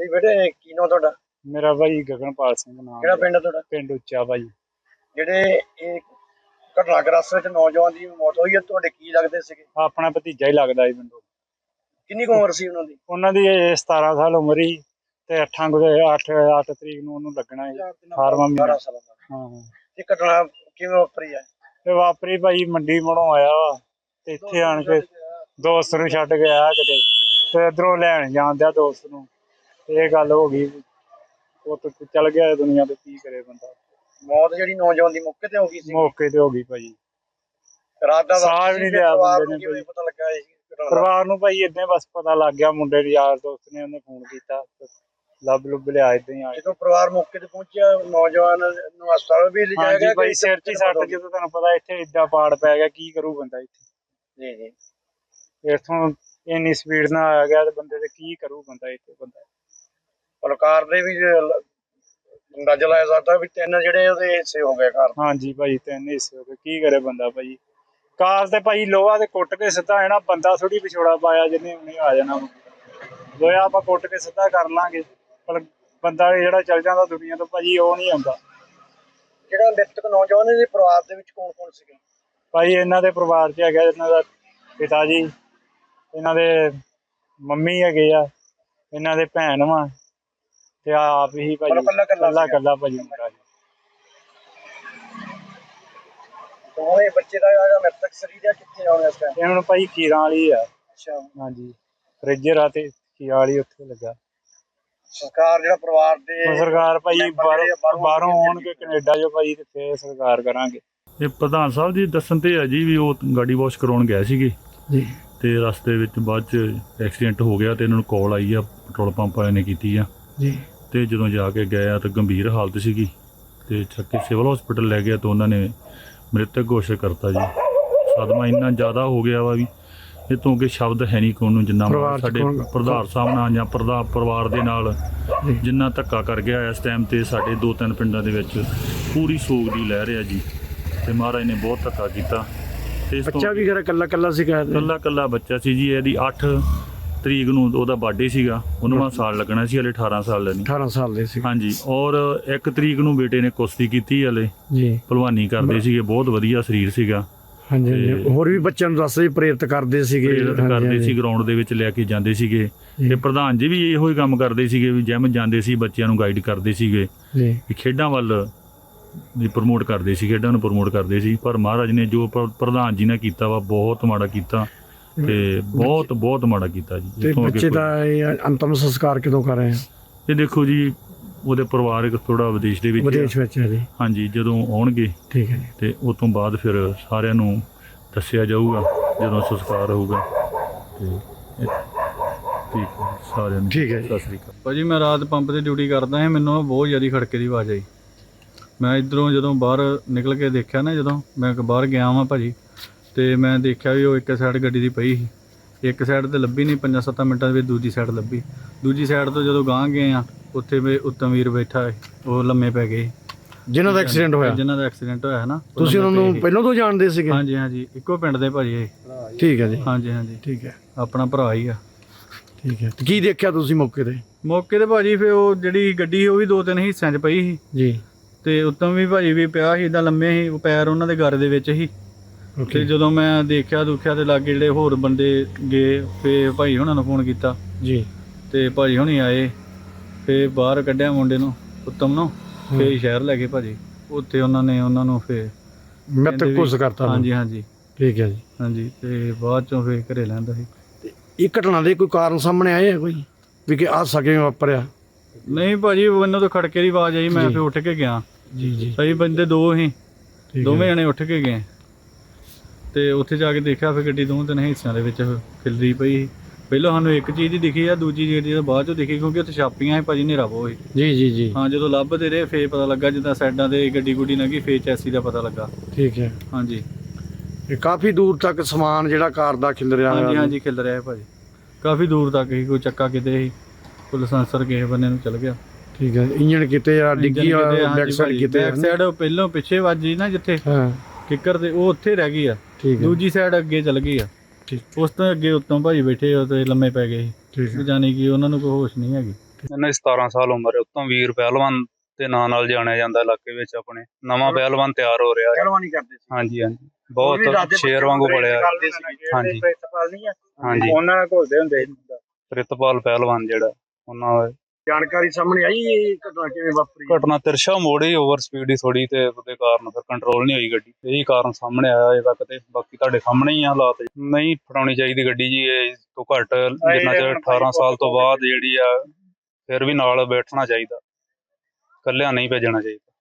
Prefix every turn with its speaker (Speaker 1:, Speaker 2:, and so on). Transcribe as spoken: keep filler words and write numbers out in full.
Speaker 1: ਜੀ ਬੇਟੇ ਕੀ ਨਾਮ ਤੁਹਾਡਾ?
Speaker 2: ਮੇਰਾ ਭਾਈ ਗਗਨਪਾਲ ਸਿੰਘ ਨਾਮ।
Speaker 1: ਕਿਹੜਾ ਪਿੰਡ ਹੈ ਤੁਹਾਡਾ?
Speaker 2: ਪਿੰਡ ਉੱਚਾ ਭਾਈ।
Speaker 1: ਜਿਹੜੇ ਇਹ ਘਟਨਾਗ੍ਰਸਤ ਵਿੱਚ ਨੌਜਵਾਨ ਦੀ ਮੌਤ ਹੋਈ ਹੈ, ਤੁਹਾਡੇ ਕੀ ਲੱਗਦੇ ਸੀਗੇ?
Speaker 2: ਆਪਣਾ ਭਤੀਜਾ ਹੀ ਲੱਗਦਾ ਜੀ ਮੈਨੂੰ।
Speaker 1: ਕਿੰਨੀ ਕੁ ਉਮਰ ਸੀ ਉਹਨਾਂ ਦੀ?
Speaker 2: ਉਹਨਾਂ ਦੀ ਸਤਾਰਾਂ ਸਾਲ ਉਮਰ ਹੀ ਤੇ ਅੱਠਾਂ ਅੱਠ ਅੱਠ ਤਰੀਕ ਨੂੰ ਉਹਨੂੰ ਲੱਗਣਾ ਸੀ ਅਠਾਰਵਾਂ ਮਹੀਨਾ। ਹਾਂ ਹਾਂ।
Speaker 1: ਇਹ ਘਟਨਾ ਕਿਵੇਂ ਵਾਪਰੀ ਹੈ?
Speaker 2: ਤੇ ਵਾਪਰੀ ਭਾਈ ਮੰਡੀ ਮੋੜੋਂ ਆਇਆ ਵਾ ਤੇ ਇੱਥੇ ਆਣ ਕੇ ਦੋਸਤ ਨੂੰ ਛੱਡ ਕੇ ਆਇਆ ਕਿਤੇ ਤੇ ਇੱਧਰੋਂ ਲੈਣ ਜਾਣ ਦਿਆ ਦੋਸਤ ਨੂੰ, ਇਹ ਗੱਲ ਹੋ ਗਈ। ਉਹ ਚੱਲ ਗਿਆ ਦੁਨੀਆ ਤੇ, ਕੀ ਕਰੇ ਬੰਦਾ।
Speaker 1: ਮੌਤ ਜਿਹੜੀ ਨੌਜਵਾਨ ਦੀ ਮੌਕੇ ਤੇ ਹੋ ਗਈ ਸੀ?
Speaker 2: ਮੌਕੇ ਤੇ ਹੋ ਗਈ ਭਾਈ।
Speaker 1: ਰਾਤ ਦਾ
Speaker 2: ਸਾਹ ਵੀ ਨਹੀਂ ਲਿਆ ਬੰਦੇ ਨੇ।
Speaker 1: ਪਤਾ ਲੱਗਾ
Speaker 2: ਪਰਿਵਾਰ ਨੂੰ ਭਾਈ ਏਦਾਂ ਬਸ ਪਤਾ ਲੱਗ ਗਿਆ, ਮੁੰਡੇ ਦੇ ਯਾਰ ਦੋਸਤ ਨੇ ਉਹਨੇ ਫੋਨ ਕੀਤਾ, ਲੱਭ ਲੁੱਭ ਲਿਆ ਏਦਾਂ ਹੀ ਆ।
Speaker 1: ਜਦੋਂ ਪਰਿਵਾਰ ਮੌਕੇ ਤੇ ਪਹੁੰਚਿਆ ਨੌਜਵਾਨ ਨੂੰ ਹਸਪਤਾਲ ਵੀ ਲਿਜਾਇਆ ਗਿਆ?
Speaker 2: ਭਾਈ ਸਿਰ 'ਚ ਹੀ ਸੱਟ, ਜਦੋਂ ਤੁਹਾਨੂੰ ਪਤਾ ਇੱਥੇ ਏਦਾਂ ਪਾੜ ਪੈ ਗਿਆ, ਕੀ ਕਰੂ ਬੰਦਾ ਇੱਥੇ।
Speaker 1: ਜੀ ਜੀ।
Speaker 2: ਇੱਥੋਂ ਇੰਨੀ ਸਪੀਡ ਨਾਲ ਆ ਗਿਆ ਤੇ ਬੰਦੇ ਤੇ ਕੀ ਕਰੂ ਬੰਦਾ ਇੱਥੇ। ਬੰਦਾ
Speaker 1: ਪਲਕਾਰ ਦੇ ਵੀ ਅੰਦਾਜ਼ਾ ਲਾਇਆ ਜਾਂਦਾ ਵੀ ਤਿੰਨ ਜਿਹੜੇ ਉਹਦੇ ਹਿੱਸੇ ਹੋ ਗਏ ਘਰ।
Speaker 2: ਹਾਂਜੀ ਭਾਈ ਤਿੰਨ ਹਿੱਸੇ ਹੋ ਗਏ, ਕੀ ਕਰੇ ਬੰਦਾ ਭਾਈ। ਕਾਰ ਤੇ ਭਾਈ ਲੋਹਾ ਤੇ ਕੁੱਟ ਕੇ ਸਿੱਧਾ ਹੈ ਨਾ, ਬੰਦਾ ਥੋੜੀ ਵਿਛੋੜਾ ਪਾਇਆ ਜਿਹਨੇ ਉਹਨੇ ਆ ਜਾਣਾ। ਲੋਹਾ ਆਪਾਂ ਕੁੱਟ ਕੇ ਸਿੱਧਾ ਕਰ ਲਾਂਗੇ, ਪਰ ਬੰਦਾ ਜਿਹੜਾ ਚੱਲ ਜਾਂਦਾ ਦੁਨੀਆ ਤੋਂ ਭਾਜੀ ਉਹ ਨਹੀਂ ਆਉਂਦਾ।
Speaker 1: ਜਿਹੜਾ ਮ੍ਰਿਤਕ ਨੌਜਵਾਨ ਦੇ ਪਰਿਵਾਰ ਦੇ ਵਿੱਚ ਕੌਣ ਕੌਣ ਸੀਗੇ?
Speaker 2: ਭਾਈ ਇਹਨਾਂ ਦੇ ਪਰਿਵਾਰ 'ਚ ਹੈਗਾ ਇਹਨਾਂ ਦਾ ਪਿਤਾ ਜੀ, ਇਹਨਾਂ ਦੇ ਮੰਮੀ ਹੈਗੇ ਆ, ਇਹਨਾਂ ਦੇ ਭੈਣ ਵਾ ਤੇ ਆਪ ਹੀ ਭਾਜੀ ਕੱਲਾ ਕੱਲਾ ਭਾਜੀ ਮੁੰਡਾ ਜੀ।
Speaker 1: ਦੋਵੇਂ ਬੱਚੇ ਦਾ ਜਿਹੜਾ ਮ੍ਰਿਤਕ ਸਰੀਰ ਆ ਕਿੱਥੇ ਆਉਣਾ ਇਸ ਟਾਈਮ?
Speaker 2: ਇਹ ਹੁਣ ਭਾਈ ਕੀਰਾਂ ਵਾਲੀ ਆ।
Speaker 1: ਅੱਛਾ।
Speaker 2: ਹਾਂਜੀ ਫਰਿੱਜਰ ਆ ਤੇ ਕੀਰਾਂ ਵਾਲੀ ਉੱਥੇ ਲੱਗਾ।
Speaker 1: ਸਰਕਾਰ ਜਿਹੜਾ ਪਰਿਵਾਰ ਦੇ
Speaker 2: ਸਰਕਾਰ ਭਾਈ ਬਾਹਰੋਂ ਬਾਹਰੋਂ ਆਉਣਗੇ ਕੈਨੇਡਾ ਜੋ ਭਾਈ, ਤੇ ਫੇਰ ਸਰਕਾਰ ਕਰਾਂਗੇ।
Speaker 3: ਇਹ ਪ੍ਰਧਾਨ ਸਾਹਿਬ ਜੀ ਦੱਸਣ ਤੇ ਹੈ ਜੀ ਵੀ ਉਹ ਗਾਡੀ ਵਾਸ਼ ਕਰਾਉਣ ਗਏ ਸੀਗੇ
Speaker 2: ਜੀ,
Speaker 3: ਤੇ ਰਸਤੇ ਵਿੱਚ ਬਾਅਦ ਚ ਐਕਸੀਡੈਂਟ ਹੋ ਗਿਆ ਤੇ ਇਹਨਾਂ ਨੂੰ ਕਾਲ ਆਈ ਆ, ਪੈਟਰੋਲ ਪੰਪ ਵਾਲਿਆਂ ਨੇ ਕੀਤੀ ਆ
Speaker 2: ਜੀ।
Speaker 3: ਤੇ ਜਦੋਂ ਜਾ ਕੇ ਗਏ ਆ ਤਾਂ ਗੰਭੀਰ ਹਾਲਤ ਸੀਗੀ ਤੇ ਚੱਕ ਕੇ ਸਿਵਲ ਹਸਪੀਟਲ ਲੈ ਗਿਆ ਤਾਂ ਉਹਨਾਂ ਨੇ ਮ੍ਰਿਤਕ ਘੋਸ਼ਿਤ ਕਰਤਾ ਜੀ। ਸਦਮਾ ਇੰਨਾ ਜ਼ਿਆਦਾ ਹੋ ਗਿਆ ਵਾ ਵੀ ਇਹ ਤੋਂ ਅੱਗੇ ਸ਼ਬਦ ਹੈ ਨਹੀਂ ਕੋਈ ਨੂੰ, ਜਿੰਨਾ ਸਾਡੇ ਪ੍ਰਧਾਨ ਸਾਹਿਬ ਨਾਲ ਜਾਂ ਪ੍ਰਧਾ ਪਰਿਵਾਰ ਦੇ ਨਾਲ ਜਿੰਨਾ ਧੱਕਾ ਕਰ ਗਿਆ ਇਸ ਟਾਈਮ ਤੇ ਸਾਡੇ ਦੋ ਤਿੰਨ ਪਿੰਡਾਂ ਦੇ ਵਿੱਚ ਪੂਰੀ ਸੋਗ ਦੀ ਲਹਿਰ ਆ ਜੀ। ਤੇ ਮਹਾਰਾਜ ਨੇ ਬਹੁਤ ਧੱਕਾ ਕੀਤਾ। ਤੇ
Speaker 2: ਬੱਚਾ ਵੀ ਘਰ ਕੱਲਾ ਕੱਲਾ ਸੀਗਾ?
Speaker 3: ਕੱਲਾ ਕੱਲਾ ਬੱਚਾ ਸੀ ਜੀ। ਇਹਦੀ ਅੱਠ ਤਰੀਕ ਨੂੰ ਉਹਦਾ ਬਰਥਡੇ ਸੀਗਾ, ਉਨਵਾਂ ਸਾਲ ਲੱਗਣਾ ਸੀ, ਹਲੇ ਅਠਾਰਾਂ ਸਾਲ ਦਾ ਨਹੀਂ।
Speaker 2: ਅਠਾਰਾਂ ਸਾਲ ਦੇ ਸੀ।
Speaker 3: ਹਾਂਜੀ। ਔਰ ਇੱਕ ਤਰੀਕ ਨੂੰ ਬੇਟੇ ਨੇ ਕੁਸ਼ਤੀ ਕੀਤੀ, ਹਲੇ
Speaker 2: ਜੀ
Speaker 3: ਭਲਵਾਨੀ ਕਰਦੇ ਸੀਗੇ, ਬਹੁਤ ਵਧੀਆ ਸਰੀਰ ਸੀਗਾ।
Speaker 2: ਹਾਂਜੀ। ਹੋਰ ਵੀ ਬੱਚਿਆਂ ਨੂੰ ਦੱਸਦੇ ਪ੍ਰੇਰਿਤ ਕਰਦੇ ਸੀਗੇ,
Speaker 3: ਪ੍ਰੇਰਿਤ ਕਰਦੇ ਸੀ, ਗਰਾਊਂਡ ਦੇ ਵਿੱਚ ਲੈ ਕੇ ਜਾਂਦੇ ਸੀਗੇ। ਤੇ ਪ੍ਰਧਾਨ ਜੀ ਵੀ ਇਹੋ ਹੀ ਕੰਮ ਕਰਦੇ ਸੀਗੇ ਵੀ ਜਿਮ ਜਾਂਦੇ ਸੀ, ਬੱਚਿਆਂ ਨੂੰ ਗਾਈਡ ਕਰਦੇ ਸੀਗੇ ਜੀ, ਖੇਡਾਂ ਵੱਲ ਵੀ ਪ੍ਰਮੋਟ ਕਰਦੇ ਸੀ, ਖੇਡਾਂ ਨੂੰ ਪ੍ਰਮੋਟ ਕਰਦੇ ਸੀ। ਪਰ ਮਹਾਰਾਜ ਨੇ ਜੋ ਪ੍ਰਧਾਨ ਜੀ ਨੇ ਕੀਤਾ ਵਾ ਬਹੁਤ ਮਾੜਾ ਕੀਤਾ, ਤੇ ਬਹੁਤ ਬਹੁਤ ਮਾੜਾ ਕੀਤਾ ਜੀ।
Speaker 2: ਤੇ ਬੱਚੇ ਦਾ ਅੰਤਮ ਸੰਸਕਾਰ ਕਦੋਂ ਕਰ ਰਹੇ ਆ?
Speaker 3: ਇਹ ਦੇਖੋ ਜੀ ਉਹਦੇ ਪਰਿਵਾਰਕ ਥੋੜਾ ਵਿਦੇਸ਼ ਦੇ ਵਿੱਚ
Speaker 2: ਵਿਦੇਸ਼ ਵਿੱਚ ਹੈ ਜੀ।
Speaker 3: ਹਾਂਜੀ, ਜਦੋਂ ਆਉਣਗੇ ਠੀਕ ਹੈ ਤੇ ਉਸ ਤੋਂ ਬਾਅਦ ਫਿਰ ਸਾਰਿਆਂ ਨੂੰ ਦੱਸਿਆ ਜਾਊਗਾ ਜਦੋਂ ਸੰਸਕਾਰ ਹੋਊਗਾ। ਤੇ ਠੀਕ ਹੈ ਸਾਰਿਆਂ ਨੂੰ
Speaker 2: ਠੀਕ ਹੈ।
Speaker 3: ਸਤਿ ਸ੍ਰੀ ਅਕਾਲ
Speaker 4: ਭਾਜੀ। ਮੈਂ ਰਾਤ ਪੰਪ ਤੇ ਡਿਊਟੀ ਕਰਦਾ ਹਾਂ, ਮੈਨੂੰ ਬਹੁਤ ਜ਼ਿਆਦਾ ਖੜਕੇ ਦੀ ਆਵਾਜ਼ ਆਈ। ਮੈਂ ਇੱਧਰੋਂ ਜਦੋਂ ਬਾਹਰ ਨਿਕਲ ਕੇ ਦੇਖਿਆ ਨਾ, ਜਦੋਂ ਮੈਂ ਬਾਹਰ ਗਿਆ ਵਾਂ ਭਾਜੀ, ਤੇ ਮੈਂ ਦੇਖਿਆ ਵੀ ਉਹ ਇੱਕ ਸਾਈਡ ਗੱਡੀ ਦੀ ਪਈ ਸੀ, ਇੱਕ ਸਾਈਡ ਤੇ ਲੱਭੀ ਨਹੀਂ, ਪੰਜਾਂ ਸੱਤਾਂ ਮਿੰਟਾਂ ਦੇ ਵਿੱਚ ਦੂਜੀ ਸਾਈਡ ਲੱਭੀ। ਦੂਜੀ ਸਾਈਡ ਤੋਂ ਜਦੋਂ ਗਾਂਹ ਗਏ ਆ, ਉੱਥੇ ਵੀ ਉੱਤਮ ਵੀਰ ਬੈਠਾ, ਉਹ ਲੰਮੇ ਪੈ ਗਏ
Speaker 2: ਜਿਨ੍ਹਾਂ ਦਾ ਐਕਸੀਡੈਂਟ ਹੋਇਆ।
Speaker 4: ਜਿਨ੍ਹਾਂ ਦਾ ਐਕਸੀਡੈਂਟ ਹੋਇਆ ਨਾ।
Speaker 2: ਤੁਸੀਂ ਉਹਨਾਂ ਨੂੰ ਪਹਿਲਾਂ ਤੋਂ ਜਾਣਦੇ ਸੀਗੇ?
Speaker 4: ਹਾਂਜੀ ਹਾਂਜੀ, ਇੱਕੋ ਪਿੰਡ ਦੇ ਭਾਜੀ ਇਹ।
Speaker 2: ਠੀਕ ਹੈ ਜੀ।
Speaker 4: ਹਾਂਜੀ ਹਾਂਜੀ
Speaker 2: ਠੀਕ ਹੈ,
Speaker 4: ਆਪਣਾ ਭਰਾ ਹੀ ਆ।
Speaker 2: ਠੀਕ ਹੈ। ਕੀ ਦੇਖਿਆ ਤੁਸੀਂ ਮੌਕੇ ਤੇ?
Speaker 4: ਮੌਕੇ ਤੇ ਭਾਜੀ ਫਿਰ ਉਹ ਜਿਹੜੀ ਗੱਡੀ ਸੀ ਉਹ ਵੀ ਦੋ ਤਿੰਨ ਹਿੱਸਿਆਂ 'ਚ ਪਈ ਸੀ ਜੀ, ਤੇ ਉੱਤਮ ਵੀ ਭਾਜੀ ਵੀ ਪਿਆ ਸੀ, ਇੱਦਾਂ ਲੰਮੇ ਸੀ, ਉਹ ਪੈਰ ਉਹਨਾਂ ਦੇ ਗਰ ਦੇ ਵਿੱਚ ਸੀ। ਤੇ ਜਦੋਂ ਮੈਂ ਦੇਖਿਆ ਦੁਖਿਆ ਤੇ ਲਾਗੇ ਜਿਹੜੇ ਹੋਰ ਬੰਦੇ ਗਏ, ਫਿਰ ਭਾਈ ਹੁਣਾਂ ਨੂੰ ਫੋਨ ਕੀਤਾ ਜੀ, ਤੇ ਭਾਜੀ ਹੁਣੀ ਆਏ, ਫਿਰ ਬਾਹਰ ਕੱਢਿਆ ਮੁੰਡੇ ਨੂੰ, ਉੱਤਮ ਨੂੰ, ਫਿਰ ਸ਼ਹਿਰ ਲੈ ਗਏ ਭਾਜੀ। ਉੱਥੇ ਉਹਨਾਂ ਨੇ ਉਹਨਾਂ ਨੂੰ ਫਿਰ
Speaker 2: ਮ੍ਰਿਤਕ ਘੋਸ਼ਿਤ ਕਰਤਾ।
Speaker 4: ਹਾਂਜੀ ਹਾਂਜੀ ਠੀਕ ਹੈ ਜੀ। ਹਾਂਜੀ। ਤੇ ਬਾਅਦ ਚੋਂ ਫਿਰ ਘਰੇ ਲੈਂਦਾ ਸੀ।
Speaker 2: ਇਹ ਘਟਨਾ ਦੇ ਕੋਈ ਕਾਰਨ ਸਾਹਮਣੇ ਆਏ ਆ ਕੋਈ ਵੀ ਕਿ ਆਹ ਸਕੇ ਵਾਪਰਿਆ?
Speaker 4: ਨਹੀਂ ਭਾਜੀ, ਮੈਨੂੰ ਤਾਂ ਖੜਕੇ ਦੀ ਆਵਾਜ਼ ਆਈ, ਮੈਂ ਫਿਰ ਉੱਠ ਕੇ ਗਿਆ ਜੀ ਜੀ। ਸਹੀ ਬੰਦੇ ਦੋ ਸੀ, ਦੋਵੇਂ ਜਣੇ ਉੱਠ ਕੇ ਗਏ, ਤੇ ਉੱਥੇ ਜਾ ਕੇ ਦੇਖਿਆ ਫਿਰ ਗੱਡੀ ਦੋਵੇਂ ਤਿੰਨ ਹਿੱਸਿਆਂ ਦੇ ਵਿੱਚ ਖਿਲਰੀ ਪਈ। ਪਹਿਲਾਂ ਸਾਨੂੰ ਇੱਕ ਚੀਜ਼ ਹੀ ਦਿਖੀ ਆ, ਦੂਜੀ ਜਿਹੜੀ ਬਾਅਦ ਚੋਂ ਦਿਖੀ, ਕਿਉਂਕਿ ਉੱਥੇ ਛਾਪੀਆਂ ਸੀ ਭਾਜੀ, ਹਨੇਰਾ ਬਹੁਤ ਸੀ ਜੀ ਜੀ ਜੀ। ਹਾਂ, ਜਦੋਂ ਲੱਭਦੇ ਰਹੇ ਫੇਰ ਪਤਾ ਲੱਗਾ, ਜਿੱਦਾਂ ਸਾਈਡਾਂ ਤੇ ਗੱਡੀ ਗੁੱਡੀ ਲੰਘੀ, ਫੇਰ ਚੈਸੀ ਦਾ ਪਤਾ ਲੱਗਾ। ਠੀਕ ਹੈ। ਹਾਂਜੀ।
Speaker 2: ਇਹ ਕਾਫੀ ਦੂਰ ਤੱਕ ਸਮਾਨ ਜਿਹੜਾ ਕਾਰ ਦਾ ਖਿਲ ਰਿਹਾ?
Speaker 4: ਹਾਂਜੀ ਹਾਂਜੀ, ਖਿਲ ਰਿਹਾ ਭਾਜੀ, ਕਾਫੀ ਦੂਰ ਤੱਕ ਹੀ। ਕੋਈ ਚੱਕਾ ਕਿਤੇ ਸੀ, ਕੋਈ ਲਾਇਸੈਂਸਰ ਕਿਸੇ ਬੰਨੇ ਨੂੰ ਚਲ ਗਿਆ।
Speaker 2: ਠੀਕ ਹੈ। ਇੰਜਣ ਕਿਤੇ ਆ ਡਿੱਗੀ, ਬੈਕ ਸਾਈਡ ਕਿਤੇ?
Speaker 4: ਬੈਕ ਸਾਈਡ ਪਹਿਲੋਂ ਪਿੱਛੇ ਵੱਜੀ ਨਾ ਜਿੱਥੇ ਕਿੱਕਰ ਤੇ, ਉਹ ਉੱਥੇ ਰਹਿ ਗਈ ਆ। ਦੂਜੀ ਸਾਈਡ ਅੱਗੇ ਚਲ ਗਈ ਆ। ਉਸ ਤੋਂ ਅੱਗੇ ਉੱਤੋਂ ਭਾਜੀ ਬੈਠੇ ਉਹ ਤੇ ਲੰਮੇ ਪੈ ਗਏ ਸੀ, ਜਾਨੀ ਕਿ ਉਹਨਾਂ ਨੂੰ ਕੋਈ ਹੋਸ਼ ਨਹੀਂ ਹੈਗੀ।
Speaker 5: ਇਹਨਾਂ ਦੀ ਸਤਾਰਾਂ ਸਾਲ ਉਮਰ ਹੈ। ਉੱਤੋਂ ਵੀਰ ਪਹਿਲਵਾਨ ਦੇ ਨਾਂ ਨਾਲ ਜਾਣਿਆ ਜਾਂਦਾ ਇਲਾਕੇ ਵਿੱਚ। ਆਪਣੇ ਨਵਾਂ ਪਹਿਲਵਾਨ ਤਿਆਰ ਹੋ ਰਿਹਾ ਹੈ।
Speaker 1: ਪਹਿਲਵਾਨੀ ਕਰਦੇ ਸੀ।
Speaker 5: ਹਾਂਜੀ ਹਾਂਜੀ
Speaker 1: ਉਹ ਵੀ
Speaker 5: ਬਹੁਤ
Speaker 1: ਦਾਦੇ
Speaker 5: ਸ਼ੇਰ
Speaker 1: ਬੱਚੇ
Speaker 5: ਵਾਂਗੂ
Speaker 1: ਨੂੰ
Speaker 5: ਪੜਿਆ।
Speaker 1: ਕਰਦੇ ਸੀਗੇ।
Speaker 5: ਹਾਂਜੀ
Speaker 2: ਪ੍ਰਿਤਪਾਲ ਨਹੀਂ ਆ
Speaker 5: ਹਾਂਜੀ
Speaker 2: ਉਹਨਾਂ ਨਾਲ ਘੁਲਦੇ ਹੁੰਦੇ ਸੀ।
Speaker 5: ਪ੍ਰਿਤਪਾਲ ਪਹਿਲਵਾਨ ਜਿਹੜਾ ਉਹਨਾਂ ਦਾ
Speaker 1: ਜਾਣਕਾਰੀ ਸਾਹਮਣੇ ਆਈ ਇਹ ਘਟਨਾ ਕਿਵੇਂ ਵਾਪਰੀ?
Speaker 5: ਘਟਨਾ ਤਿਰਸ਼ਾ ਮੋੜੀ ਓਵਰ ਸਪੀਡ ਹੀ ਥੋੜੀ ਤੇ ਉਹਦੇ ਕਾਰਨ ਫਿਰ ਕੰਟਰੋਲ ਨਹੀਂ ਹੋਈ ਗੱਡੀ। ਇਹੀ ਕਾਰਨ ਸਾਹਮਣੇ ਆਇਆ ਅਜੇ ਤੱਕ ਤੇ ਬਾਕੀ ਤੁਹਾਡੇ ਸਾਹਮਣੇ ਹੀ ਆ ਹਾਲਾਤ। ਨਹੀਂ ਫੜਾਉਣੀ ਚਾਹੀਦੀ ਗੱਡੀ ਜੀ ਇਹ ਤੋਂ ਘੱਟ ਜਿੰਨਾ ਚਿਰ ਅਠਾਰਾਂ ਸਾਲ ਤੋਂ ਬਾਅਦ ਜਿਹੜੀ ਆ ਫਿਰ ਵੀ ਨਾਲ ਬੈਠਣਾ ਚਾਹੀਦਾ, ਇਕੱਲਿਆਂ ਨਹੀਂ ਭੇਜਣਾ ਚਾਹੀਦਾ।